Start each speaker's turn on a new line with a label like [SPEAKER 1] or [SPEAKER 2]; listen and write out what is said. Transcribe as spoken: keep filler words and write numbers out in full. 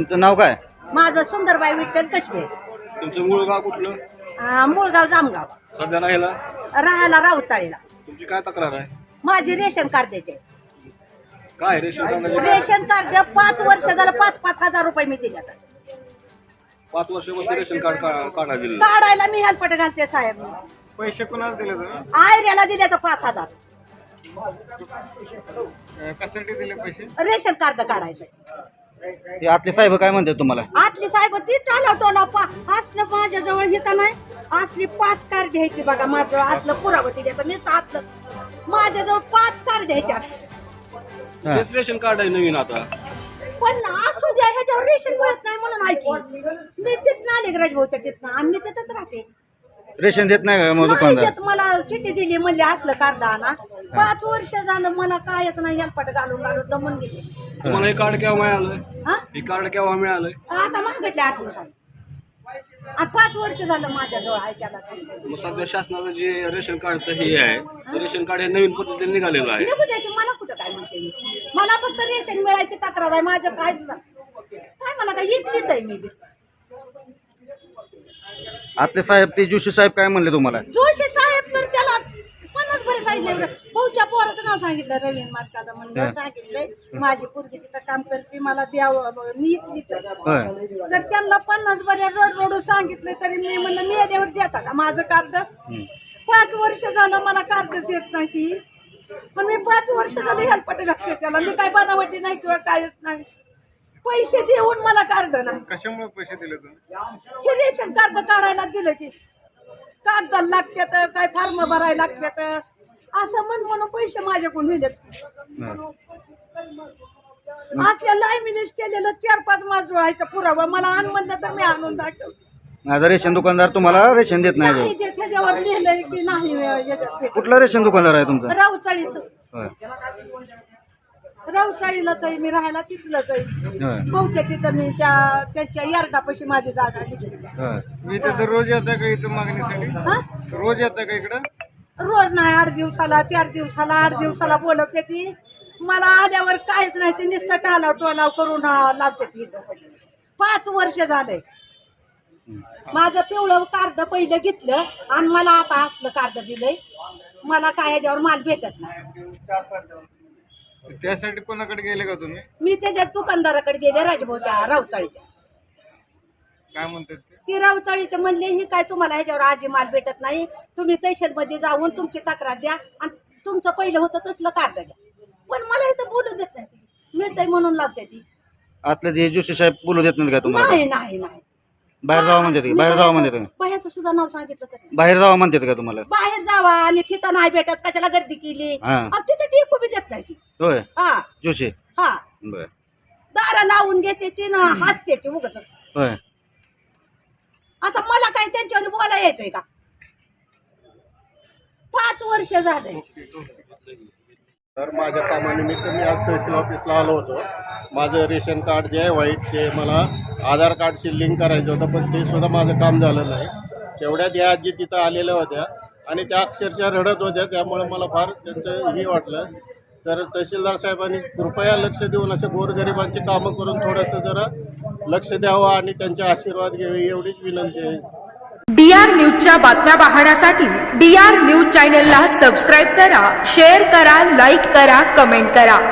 [SPEAKER 1] तुमचं नाव काय?
[SPEAKER 2] माझं सुंदरबाई विठ्ठल कशबे.
[SPEAKER 3] तुमचं मूळ गाव कुठलं?
[SPEAKER 2] अं, मूळगाव जामगाव.
[SPEAKER 3] सध्या राहिला
[SPEAKER 2] राहायला राऊचाळीला.
[SPEAKER 3] तुमची काय तक्रार आहे?
[SPEAKER 2] माझी रेशन कार्डाचे
[SPEAKER 3] काय रेशन कार्डाचे?
[SPEAKER 2] रेशन कार्ड पाच वर्ष झालं पाच पाच हजार रुपये मी दिले आता.
[SPEAKER 3] पाच वर्षामध्ये रेशन कार्ड का- काढा दिलं.
[SPEAKER 2] काढायला मी हेल्पट घालते साहेब.
[SPEAKER 3] पैसे कोणाला दिले तुम्ही?
[SPEAKER 2] आयऱ्याला दिले तर पाच हजार
[SPEAKER 3] कशासाठी दिले पैसे?
[SPEAKER 2] रेशन कार्ड काढायचं.
[SPEAKER 1] ते आतले साहेब काय म्हणतात तुम्हाला?
[SPEAKER 2] आतली साहेब ती टाला टोला पा असलं माझ्याजवळ हे का नाही असली पाच कार्ड घ्यायची बघा. माझं असलं पुरावं दिले मी आतलं माझ्याजवळ पाच कार्ड घ्यायचे असते.
[SPEAKER 3] तेच रेशन कार्ड आहे नवीन आता.
[SPEAKER 2] पण असू द्या ह्याच्यावर रेशन मिळत नाही म्हणून ऐकी मी तिथनं आले राजभाऊच्या तिथनं आम्ही तिथंच राहते.
[SPEAKER 1] रेशन देत नाही का मग
[SPEAKER 2] नाही
[SPEAKER 1] दुकानदार?
[SPEAKER 2] देत. मला चिठ्ठी दिली म्हणले असलं कार्ड आणा. पाच वर्ष झालं मला कायच नाही हेल्पट घालून घालून दमून गेले.
[SPEAKER 3] तुम्हाला हे कार्ड केव्हा मिळालं?
[SPEAKER 2] हा
[SPEAKER 3] हे कार्ड केव्हा मिळालं?
[SPEAKER 2] आता मागितले आठ दिवसांनी आणि पाच वर्ष झालं माझ्याजवळ आहे त्याला.
[SPEAKER 3] मग सध्या शासनाचं जे रेशन कार्डचं हे आहे ते रेशन कार्ड हे नवीन पद्धतीने निघालेलं आहे.
[SPEAKER 2] निघू द्यायची मला कुठं काय म्हणते मी. मला फक्त रेशन मिळायची तक्रार आहे. माझं काय काय मला काय इथलीच आहे मी बी.
[SPEAKER 1] आतले साहेब ते जोशी साहेब काय म्हणले तुम्हाला?
[SPEAKER 2] जोशी साहेब तर त्याला पन्नास बरे सांगितले. भाऊच्या पोराचं नाव सांगितलं रवीन मार्काला म्हणून सांगितलंय. माझी पोरगी तिथं काम करते मला द्यावं मी इथलीच आहे.
[SPEAKER 1] होय.
[SPEAKER 2] तर त्यांना पन्नास बरे रोड रोड सांगितले तरी मी म्हणलं मी याच्यावर देता का माझं कार्ड. पाच वर्ष झालं मला कार्ड देत नाही ती. पण मी पाच वर्ष झालं हेल्पट घातले त्याला. मी काय बनावटी नाही किंवा कायच नाही. पैसे देऊन मला कार्ड नाही.
[SPEAKER 3] कशामुळे पैसे दिले तुम्ही?
[SPEAKER 2] हे रेशन कार्ड काढायला दिलं की कागद लागतात काय फॉर्म भरायला लागतात असं म्हण म्हणून पैसे माझ्याकडून नेलेत. असल्या लायमिनेस केलेलं चार पाच माझं आहे पुरावा मला आण म्हणलं तर मी आणून दाखव.
[SPEAKER 1] माझा रेशन दुकानदार तुम्हाला रेशन देत नाही
[SPEAKER 2] नाही
[SPEAKER 1] का?
[SPEAKER 2] जे त्याच्यावर लिहिलंय की नाही याच्यात ते.
[SPEAKER 1] कुठला रेशन दुकानदार आहे तुमचा?
[SPEAKER 2] राऊचाळीचं.
[SPEAKER 1] होय.
[SPEAKER 2] राऊचाळीलाच आहे मी राहायला तिथलंच आहे.
[SPEAKER 1] होय.
[SPEAKER 2] भाऊच्या तिथं मी त्या त्यांच्या यार्डापाशी माझी जागा घेतली.
[SPEAKER 1] होय.
[SPEAKER 3] मी तर रोज येता का इथं मागणीसाठी?
[SPEAKER 2] हा
[SPEAKER 3] रोज येता का इकडं?
[SPEAKER 2] रोज नाही आठ दिवसाला चार दिवसाला आठ दिवसाला बोलवते ती. मला आल्यावर काहीच नाही ते नुसतं टालाव टोलाव करून लावते ती. पाच वर्ष झाले माझं पिवळं कार्ड पहिलं घेतलं आणि मला आता असलं कार्ड दिलंय. मला काय ह्याच्यावर माल भेटत नाही.
[SPEAKER 3] त्यासाठी कोणाकडे गेले का तुम्ही?
[SPEAKER 2] मी त्याच्या दुकानदाराकडे गेले राजभाऊच्या रावचाळीच्या.
[SPEAKER 3] काय म्हणतात ते?
[SPEAKER 2] ती रावचाळीचे म्हणले ही काय तुम्हाला ह्याच्यावर आजी माल भेटत नाही. तुम्ही तहसीलमध्ये जाऊन तुमची तक्रार द्या आणि तुमचं पहिलं होतं तसलं कार्ड द्या. पण मला इथं बोलू देत नाही ती. मिळतंय म्हणून लागते ती.
[SPEAKER 1] आतले ते जोशी साहेब बोलू देत नाहीत का तुम्हाला?
[SPEAKER 2] नाही नाही नाही
[SPEAKER 1] बाहेर जावा म्हणतात का? बाहेर जावा म्हणतात का?
[SPEAKER 2] बाहेरचं सुद्धा नाव सांगितलं तरी
[SPEAKER 1] बाहेर जावा म्हणतात का तुम्हाला?
[SPEAKER 2] बाहेर जावा आणि तिथं नाही भेटत कशाला गर्दी केली.
[SPEAKER 1] हा.
[SPEAKER 2] अब तिथं टेकू बी देत नाही ती.
[SPEAKER 1] होय.
[SPEAKER 2] हा
[SPEAKER 1] जोशी.
[SPEAKER 2] हा
[SPEAKER 1] बर.
[SPEAKER 2] दारा लावून घेते ती ना हसते ती उगाच.
[SPEAKER 1] होय.
[SPEAKER 2] आता मला काय त्यांच्यावर बोला यायचंय का? पाच वर्ष झाले.
[SPEAKER 4] तर माझ्या कामानिमित्त मी आज तहसील ऑफिसला आलो होतो. माझं रेशन कार्ड जे आहे व्हाईट ते मला आधार कार्डशी लिंक करायचं होतं, पण ते सुद्धा माझं काम झालं नाही. तेवढ्यात या आजी तिथं आलेल्या होत्या आणि त्या अक्षरशः रडत होत्या. त्यामुळे मला फार त्यांचं हे वाटलं. तर तहसीलदार साहेबांनी कृपया लक्ष देऊन असे गोरगरिबांची कामं करून थोडंसं जरा लक्ष द्यावं आणि त्यांचे आशीर्वाद घ्यावे एवढीच विनंती आहे.
[SPEAKER 5] डी आर न्यूजच्या बातम्या पाहण्यासाठी डी आर न्यूज चॅनलला सबस्क्राईब करा, शेअर करा, लाईक करा, कमेंट करा.